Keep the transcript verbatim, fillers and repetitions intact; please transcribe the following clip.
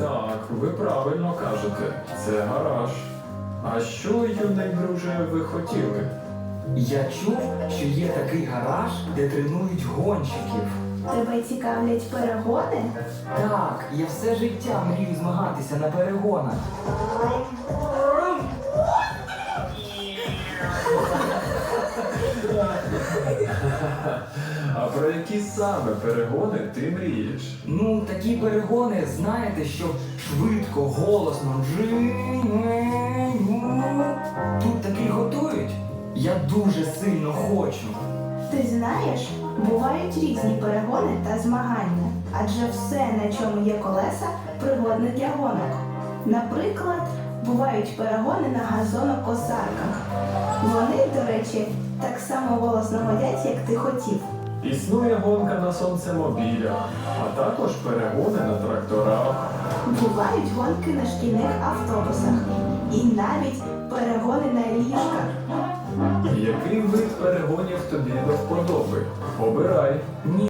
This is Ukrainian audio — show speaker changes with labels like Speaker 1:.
Speaker 1: Так, ви правильно кажете, це гараж. А що, юний друже, ви хотіли?
Speaker 2: Я чув, що є такий гараж, де тренують гонщиків.
Speaker 3: Тебе цікавлять перегони?
Speaker 2: Так, я все життя мрію змагатися на перегонах.
Speaker 1: А про які саме перегони ти мрієш?
Speaker 2: Ну, такі перегони, знаєте, що швидко, голосно. Тут такий готують. Я дуже сильно хочу.
Speaker 3: Ти знаєш, бувають різні перегони та змагання, адже все, на чому є колеса, пригодне для гонок. Наприклад, бувають перегони на газонокосарках. Вони, до речі, так само голосно годять, як ти хотів.
Speaker 1: Існує гонка на сонцемобілях, а також перегони на тракторах.
Speaker 3: Бувають гонки на шкільних автобусах і навіть перегони на ліжках.
Speaker 1: Який вид перегонів тобі до вподоби? Обирай.
Speaker 2: Ні.